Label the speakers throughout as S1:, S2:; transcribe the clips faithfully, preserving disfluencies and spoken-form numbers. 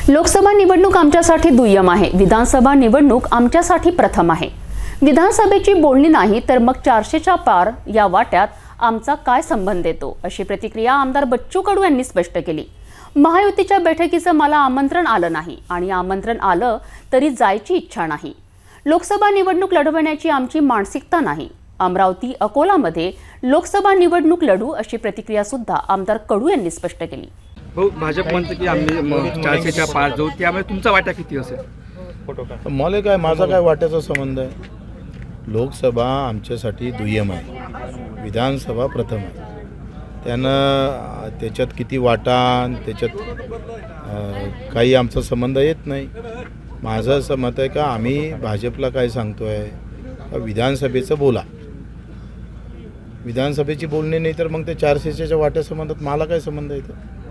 S1: लोकसभा निवडणूक आमच्यासाठी दुय्यम आहे, विधानसभा निवडणूक आमच्यासाठी प्रथम आहे। विधानसभेची बोलणी नाही तर मग चारशेच्या पार या वाट्यात आमचा काय संबंध येतो, अशी प्रतिक्रिया आमदार बच्चू कडू यांनी स्पष्ट केली। महायुतीच्या बैठकीचं मला आमंत्रण आलं नाही आणि आमंत्रण आलं तरी जायची इच्छा नाही। लोकसभा निवडणूक लढवण्याची आमची मानसिकता नाही। अमरावती अकोलामध्ये लोकसभा निवडणूक लढू, अशी प्रतिक्रिया सुद्धा आमदार कडू यांनी स्पष्ट केली।
S2: भाऊ, भाजप म्हणते की आम्ही चारशेच्या पार जाऊ, त्यामुळे तुमचा वाटा किती असेल?
S3: मला काय, माझा काय वाट्याचा संबंध आहे? लोकसभा आमच्यासाठी दुय्यम आहे, विधानसभा प्रथम आहे। त्यानं त्याच्यात किती वाटा, त्याच्यात काही आमचा संबंध येत नाही। माझं असं मत आहे का आम्ही भाजपला काय सांगतो आहे का विधानसभेचं बोला, विधानसभेची बोलणी नाही तर मग ते चारशेच्या वाट्या संबंधात मला काय संबंध येतो?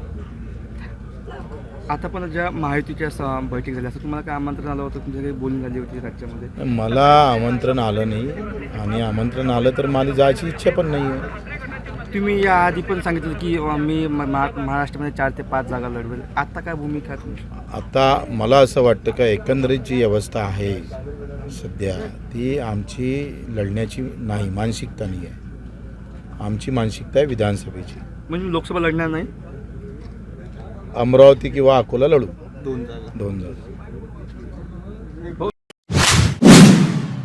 S2: आता पण ज्या महायुतीच्या बैठक झाली असं तुम्हाला काय आमंत्रण आलं होतं? तुमच्या काही बोलणी झाली होती राज्यामध्ये?
S3: मला आमंत्रण आलं नाही आणि आमंत्रण आलं तर मला जायची इच्छा पण नाही आहे।
S2: तुम्ही याआधी पण सांगितलं की मी महाराष्ट्रामध्ये चार ते पाच जागा लढवेल, आता काय भूमिका आहे तुमची?
S3: आता मला असं वाटतं का एकंदरीत जी अवस्था आहे सध्या ती आमची लढण्याची नाही, मानसिकता नाही आहे। आमची मानसिकता आहे विधानसभेची।
S2: म्हणजे लोकसभा लढणार नाही?
S3: अमरावती किंवा अकोला लढू,
S2: दोन जागा
S3: दोन जागा